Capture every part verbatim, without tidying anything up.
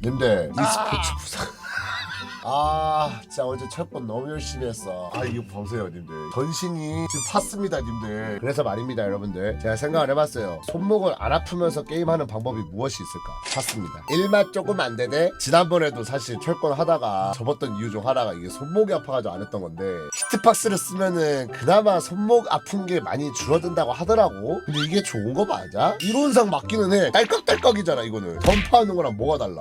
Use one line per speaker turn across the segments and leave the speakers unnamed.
님들 e스포츠 부상 아 진짜 어제 철권 너무 열심히 했어. 아 이거 보세요 님들, 전신이 지금 팠습니다 님들. 그래서 말입니다 여러분들, 제가 생각을 해봤어요. 손목을 안 아프면서 게임하는 방법이 무엇이 있을까 팠습니다. 일맛 조금 안 되네. 지난번에도 사실 철권 하다가 접었던 이유 중 하나가 이게 손목이 아파가지고 안 했던 건데, 히트박스를 쓰면은 그나마 손목 아픈 게 많이 줄어든다고 하더라고. 근데 이게 좋은 거 맞아? 이론상 맞기는 해. 딸깍딸깍이잖아 이거는. 던파하는 거랑 뭐가 달라?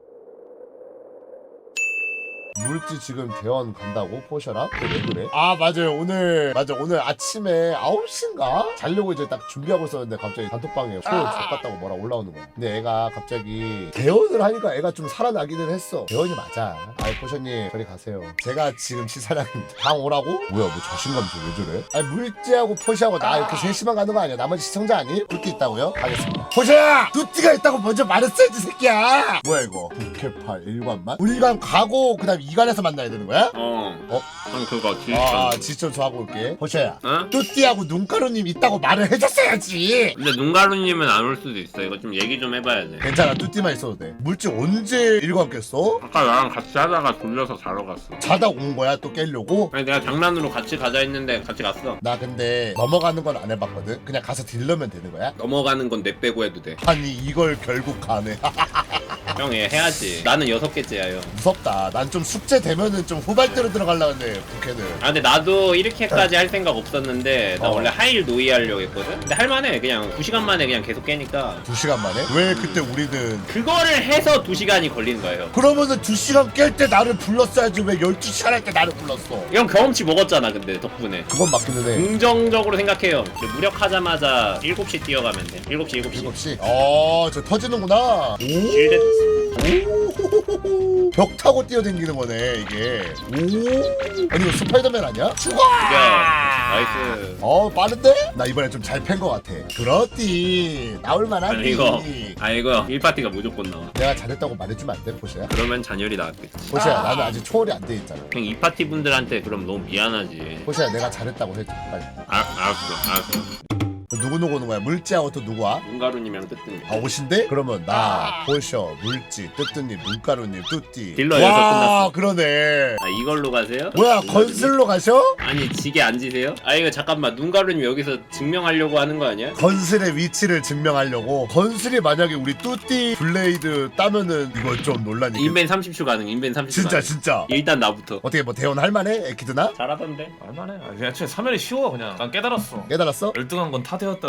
물지 지금 대원 간다고? 포셔라? 왜 그래? 아 맞아요, 오늘 맞아 오늘 아침에 아홉 시인가? 자려고 이제 딱 준비하고 있었는데 갑자기 단톡방에 소 족같다고 뭐라 올라오는 거야. 근데 애가 갑자기 대원을 하니까 애가 좀 살아나기는 했어. 대원이 맞아. 아이 포셔님 저리 가세요. 제가 지금 시사량입니다. 방 오라고? 뭐야 뭐 자신감 좀 왜 저래? 아니 물지하고 포셔하고 나 이렇게 셋이만 가는 거 아니야? 나머지 시청자 아니? 뚜띠 있다고요? 가겠습니다. 포셔야! 뚜띠가 있다고 먼저 말했어야지 새끼야! 뭐야 이거 국회팔 일관만? 일관 가고 그 다음 이관에서 만나야 되는 거야?
어.
어?
형 그거 지휘.
아 지점 좋아하고 올게. 호셔야
어?
뚜띠하고 눈가루님 있다고 말을 해줬어야지.
근데 눈가루님은 안 올 수도 있어. 이거 좀 얘기 좀 해봐야 돼.
괜찮아 뚜띠만 있어도 돼. 물질 언제 일관 깼어?
아까 나랑 같이 하다가 돌려서 자러 갔어.
자다 온 거야 또 깨려고?
아니 내가 장난으로 같이 가자 했는데 같이 갔어.
나 근데 넘어가는 건 안 해봤거든. 그냥 가서 딜러면 되는 거야?
넘어가는 건 내 빼고 해도 돼.
아니 이걸 결국 가네.
형 얘 해야지. 나는 여섯 개째야 형.
무섭다. 난 좀 숙제 되면은 좀 후발대로 들어가려고 했는데 국회는.
아 근데 나도 이렇게까지 할 생각 없었는데 나
어.
원래 하일 노이 하려고 했거든? 근데 할만해. 그냥 두 시간 만에 그냥 계속 깨니까.
두 시간 만에? 왜 그때 우리는
그거를 해서 두 시간이 걸리는 거예요.
그러면은 두 시간 깰 때 나를 불렀어야지 왜 열두 시간 할 때 나를 불렀어?
형 경험치 먹었잖아 근데 덕분에.
그건 맞기는 해.
긍정적으로 생각해요. 무력하자마자 일곱 시 뛰어가면 돼. 일곱 시 일곱 시.
일곱 시? 어, 저 터지는구나.
실드.
오, 벽 타고 뛰어댕기는 거네 이게. 오, 아니 이거 스파이더맨 아니야? 죽어!
나이스.
어, 빠른데? 나 이번에 좀 잘 팬 거 같아. 그렇디. 나올 만하니.
아니 이거 아 이거 일 파티가 무조건 나와.
내가 잘했다고 말해주면 안 돼, 보시야?
그러면 잔열이 나왔겠지.
보시야, 나는 아직 초월이 안 돼 있잖아.
형 이 파티 분들한테 그럼 너무 미안하지.
보시야, 내가 잘했다고 해줘, 빨리.
아 알았어 알았어.
누구 누구 오는 거야? 물지하고 또 누구야?
눈가루님이랑 뜨뜻님.
아 오신데? 그러면 나, 포셔, 물지, 뜨뜨님, 눈가루님, 뚜띠.
딜러 여섯
와
끝났어.
그러네.
아 이걸로 가세요?
뭐야
눈가루님?
건슬로 가셔?
아니 지게 앉으세요? 아 이거 잠깐만 눈가루님 여기서 증명하려고 하는 거 아니야?
건슬의 위치를 증명하려고. 건슬이 만약에 우리 뚜띠 블레이드 따면은 이거 좀 논란이.
인벤 삼십 초 가능. 인벤 삼십 초
진짜
가능.
진짜.
일단 나부터.
어떻게 뭐 대원 할만해? 에키드나?
잘하던데.
얼마나? 아, 그냥 애초에 사면이 쉬워 그냥. 난 깨달았어.
깨달았어?
열등한 건 타되었다.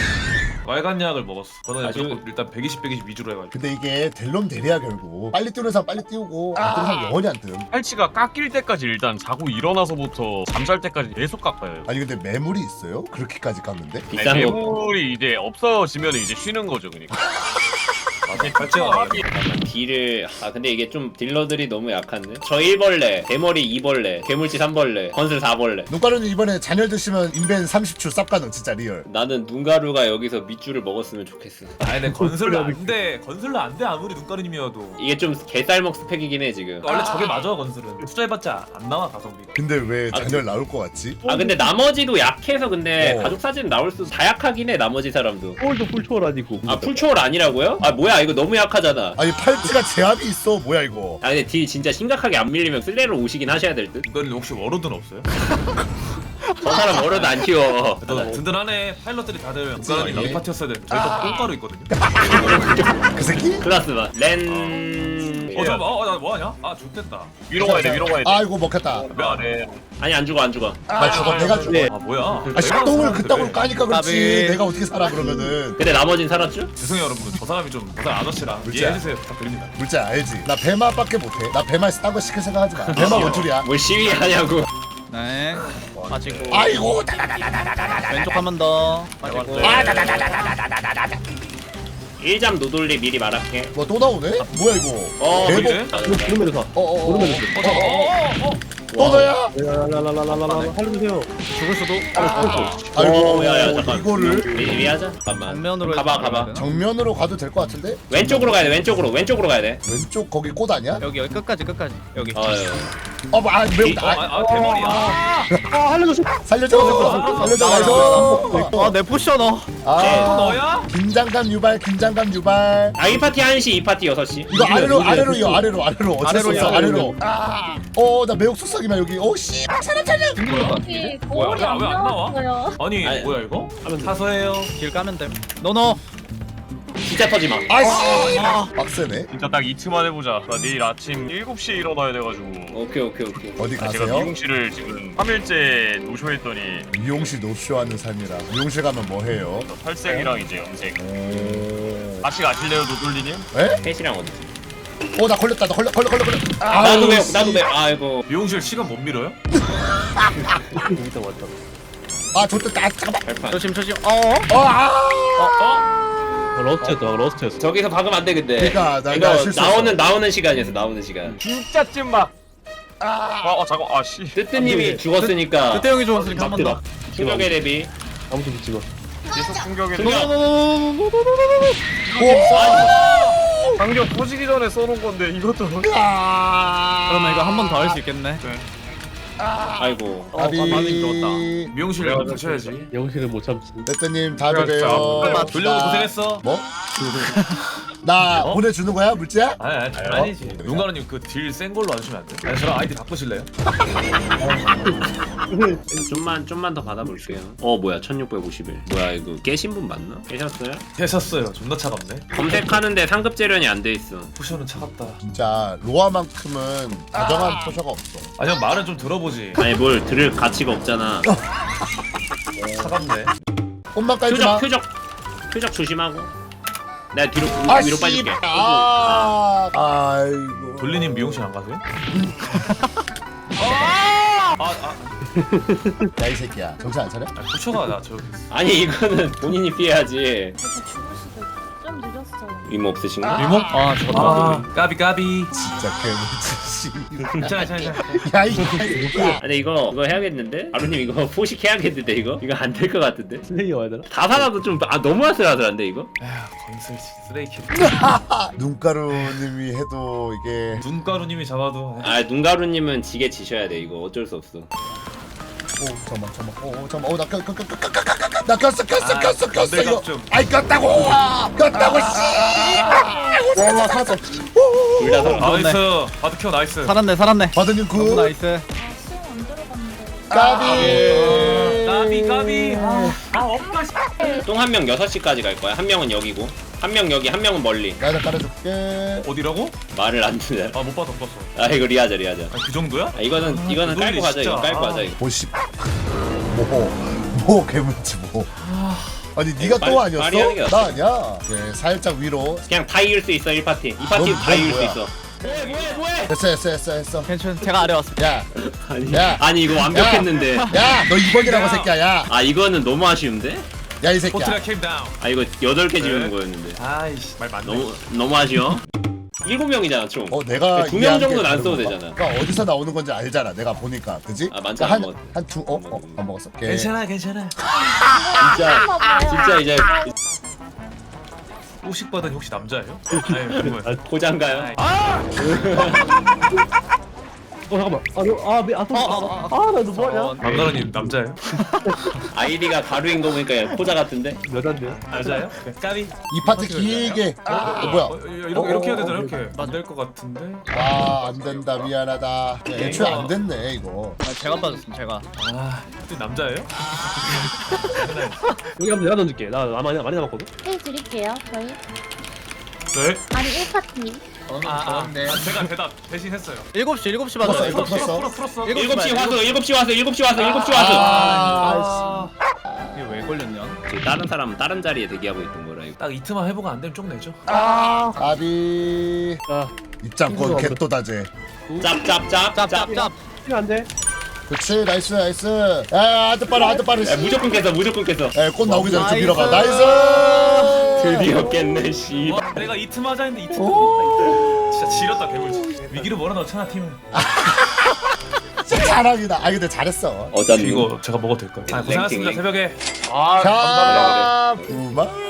빨간 약을 먹었어. 저는
아주-
무조건 일단 백이십, 백이십 위주로 해가지고.
근데 이게 델롬 대리야 결국. 빨리 뛰는 사람 빨리 띄우고 안 뛰는 사람 영원히 안 뜸.
팔찌가 깎일 때까지 일단 자고 일어나서부터 잠잘 때까지 계속 깎아요.
아니 근데 매물이 있어요? 그렇게까지 깎는데?
비싼 거.
매물이 이제 없어지면 이제 쉬는 거죠, 그러니까.
아니 발제가
잠깐만 딜을 아 근데 이게 좀 딜러들이 너무 약한데. 저 일 벌레, 대머리 이 벌레, 괴물치 삼 벌레, 건슬 사 벌레.
눈가루는 이번에 잔열 드시면 인벤 삼십 초 쌉 가능 진짜 리얼.
나는 눈가루가 여기서 밑줄을 먹었으면 좋겠어.
아니 근데 건슬로 안돼. 건슬로 안돼 아무리 눈가루님이어도.
이게 좀 개쌀먹 스펙이긴 해 지금.
원래 저게 맞아 건슬은. 투자해봤자 안 나와 가성비가.
근데 왜
아,
잔열 나올 것 같지?
아 근데 나머지도 약해서 근데
어.
가족 사진 나올 수 다 약하긴 해 나머지 사람도.
초월도 풀초월 아니고.
아 풀초월 아니라고요? 아 뭐야 이거 너무 약하잖아.
아니 팔찌가 제압이 있어 뭐야 이거.
아 근데 딜 진짜 심각하게 안 밀리면 슬레로 오시긴 하셔야 될 듯?
눈가루님 혹시 워로드는 없어요?
저 사람 어려도 안 키워.
너 든든하네. 파일럿들이 다들
예.
눈가루님 이 파티였어야 돼. 저희 또 똥가루 있거든요.
그 새끼?
클라스 봐. 렌...
어 잠깐만. 어나 뭐하냐? 아 좋댔다.
위로 가야 돼, 위로 가야 돼.
아이고 먹혔다.
미안해.
아니 안 죽어 안 죽어.
나 죽어 내가 죽어.
아 뭐야?
아 샷동을 그따구로
까
까니까 그렇지.
까비.
내가 어떻게 살아 그러면은.
근데 나머진 살았죠?
죄송해요 여러분. 저 사람이 좀 저 사람 아저씨라
그렇지.
이해해주세요. 부탁드립니다.
물자 알지? 나 배마밖에 못해. 나 배마에서 딴거 시킬 생각하지 마. 배마 원툴이야.
뭘 시위하냐고.
네. 빠지고.
아이고
왼쪽 한 번 더. 빠지고.
일 잠 노돌리 미리 말할게.
뭐 또 나오네? 뭐야 이거?
어
대박.
이래?
구름에서 사.
어어어.
구름에서
어어어어.
또 너야?
라라라라라라라. 살려주세요. 죽을 수도.
아이고
어, 야, 야, 잠깐.
이거를
미리 하자. 잠깐만.
정면으로
가봐
해서
가봐.
가야
정면으로 가도 될 것 같은데?
왼쪽으로 가야 돼. 왼쪽으로 왼쪽으로 가야 돼.
왼쪽 거기 꽃 아니야?
여기 여기 끝까지 끝까지. 여기.
어휴.
어뭐아 매우
아, 아, 아 대머리야.
아 살려줘.
살려줘 살려줘 나이스.
아내 포션 어.
또
아
너야?
긴장감 유발 긴장감 유발.
아 일 파티 한 시, 이 파티 여섯 시.
이거 아래로 아래로 이어 아래로 아래로 어쩔 수 없어
아래로,
아래로. 아어나 매혹 속삭이만 여기. 오씨 사람 살려.
여기
뭐야,
거울이
왜
안
안 나와?
나왔어요.
아니,
아니,
뭐야 이거? 사서해요.
길 까면 돼. 노노.
진짜 터지 마.
아씨 빡세네.
진짜 딱 이틀만 해보자. 나 내일 아침 일곱 시에 일어나야 돼가지고.
오케이 오케이 오케이.
어디
아, 제가
가세요?
미용실을 지금 삼 일째 노쇼했더니
미용실 노쇼하는 삶이라. 미용실 가면 뭐 해요?
탈색이랑 이제 염색.
오.
같이 가실래요, 노돌리님?
에?
셋이랑 어디지?
어나 걸렸다 나 걸려 걸려 걸려 걸려. 아,
나도 매
씨.
나도 매 아이고.
미용실 시간 못 밀어요?
아 좋다. 아 잠깐만.
발판.
조심 조심. 어.
어 아.
러스트였다 러스트였어.
저기서 박으면 안 돼 근데.
그러니까 나-
이거
나 실수했어.
나오는 나오는 시간이었어 나오는 시간.
진짜 찐막. 아, 아 잠깐, 아 씨.
뜨뜨님이 죽었으니까.
그때 형이 좋았으니까 한 번 더.
충격의 대비.
계속 충격인데.
충격.
오.
방금 터지기 전에 써놓은 건데 이것도.
아.
그러면 이거 한 번 더 할 수 있겠네.
아이고.
아비.
반응이 좋았다.
미용실 가서 가셔야지.
영실을 못 참지.
대표님 다음에
그래,
봬요.
아, 돌려고 고생했어.
뭐? 나
어?
보내주는 거야 물지야?
아니 아니 아니지. 눈가루님 그 딜 센 걸로 안 주면 안 돼? 아니 저랑 아이디 바꾸실래요?
좀만 좀만 더 받아볼게요. 어 뭐야 천육백오십일. 뭐야 이거 깨신 분 맞나? 깨셨어요?
되셨어요. 존나 차갑네.
검색하는데 상급 재련이 안 돼 있어.
포션은 차갑다.
진짜 로아만큼은 다정한 포셔가 없어.
아니 형 말은 좀 들어보지.
아니 뭘 들을 가치가 없잖아.
차갑네.
옷만 깔지 마.
표적 표적 표적 조심하고. 내가 뒤로
아
위로
씨.
빠질게.
아. 아이고.
돌리님 미용실 안 가세요? 아, 아,
야 이 새끼야. 정신 안 차려?
아, 부처가 나 저기.
아니 이거는 본인이 피해야지.
저 죽을 수도 있어. 좀 늦었어요.
이모 없으신가?
리모?
아 죽었다.
아, 까비 까비.
진짜 개무치 씨.
괜찮아, 괜찮아.
야이 새끼야.
아니 이거 이거 해야겠는데? 아루님 이거 포식 해야겠는데 이거? 이거 안 될 것 같은데?
슬레이어 와야 되나?
다 살아도 좀 아 너무 아슬아슬한데 이거?
에휴, 건슬 쓰레기.
눈가루님이 해도 이게.
눈가루님이 잡아도. 에휴.
아 눈가루님은 지게 지셔야 돼 이거 어쩔 수 없어.
오 잠깐만 잠깐만. 오 잠깐만. 오나 꼈, 꼈, 꼈, 꼈, 꼈, 꼈, 꼈. 나 꼈어 꼈어
아,
꼈어 꼈어
건들갑
이거.
좀.
아이 꼈다고. 꼈다고 씨.
와 살았어.
둘 다 살아.
나이스. 바드켜 나이스.
살았네 살았네.
바드님
너무
굿.
나이스.
아, 수영 안 들어갔는데.
까비.
까비 까비. 아, 아 없다. 씨.
똥 한 명 여섯 시까지 갈 거야. 한 명은 여기고 한 명 여기 한 명은 멀리.
나도 깔아줄게.
어디라고?
말을 안 듣네.
아 못 봤어 못 봤어.
아 이거 리하자 리하자.
아, 그 정도야?
아, 이거는
아,
이거는 깔고
그거는
가자 이거
진짜.
깔고
아.
가자 이거.
오십. 뭐뭐 개문치 뭐. 아니 네가
말-
또 아니었어?
말이 하는 게
나 아니야. 네, 살짝 위로.
그냥 다 이길 수 있어 일 파티. 이 파티
넌-
다
넌
이길 수
뭐야?
있어. 뭐해 뭐해 뭐해?
됐어 됐어 됐어 됐어.
괜찮. 제가 아래 왔어.
야,
아니
야.
아니 이거 완벽했는데.
야, 너 이 번이라고
야.
새끼야. 야,
아 이거는 너무 아쉬운데?
야 이 새끼야.
포트가 캠 다운.
아 이거 여덟 개
네.
지우는 거였는데.
아이씨 말 맞네.
너무 너무 아쉬워. 일곱 명이잖아 총.
어 내가
두 명
이해한 게
정도는 안
다른
써도
건가?
되잖아.
그러니까 어디서 나오는 건지 알잖아. 내가 보니까, 그지?
아, 많지 않아, 뭐.
한한두 어? 어? 안 먹었어. 오케이.
괜찮아 괜찮아.
진짜 진짜 이제
오식 받은 혹시 남자예요? 아니 그거야.
고장가요?
어 잠깐만. 아아 미, 아, 아, 아, 나 뭐하냐?
강가루님 남자예요?
아이디가 가루인 거 보니까 포자 같은데?
여잔데요?
여자예요? 까비.
이 파트 길게. 어, 뭐야?
어, 이렇게
어,
이렇게 해야
어,
되잖아
어,
이렇게. 안 될 것 같은데.
아, 안 된다. 미안하다. 야, 애초에 안 됐네 이거.
아, 제가 빠졌음 제가.
아, 또 남자예요?
여기 한번 내가 던질게. 나 많이 많이 남았거든.
해 드릴게요. 저희.
네.
아니 일 파티.
아, 아, 아, 제가 대답 대신 했어요.
일곱 시 일곱 시
풀었어,
맞아.
이거 풀었어.
풀어 풀었어.
일곱
일곱 시
시
와서 일곱 시 와서 일곱 시 와서 일곱 시 와서.
아,
이게 왜 걸렸냐?
지금 다른 사람은 다른 자리에 대기하고 있던 거라 이거.
딱 이틀만 해보고 안 되면 쪽 내죠.
아비.
자,
입장권 개또다제.
짭짭짭 짭.
짭짭짭.
그렇지, 나이스, 나이스. 야, 아드 빠르, 아드 빠르.
야, 무조건 깼어 무조건 깼어.
에, 꽃 나오기 전에 좀
나이스.
밀어가. 나이스.
드디어 깼네 씨.
와, 내가 이틀 하자 했는데 이틀. 진짜 지렸다 개물지. 위기를 몰아넣잖아 팀은.
진짜 자랑이다. 아, 근데 잘했어.
어쩐
이거 제가 먹어도 될까요? 아, 고생하셨습니다
랭킹이.
새벽에.
아
자, 부마.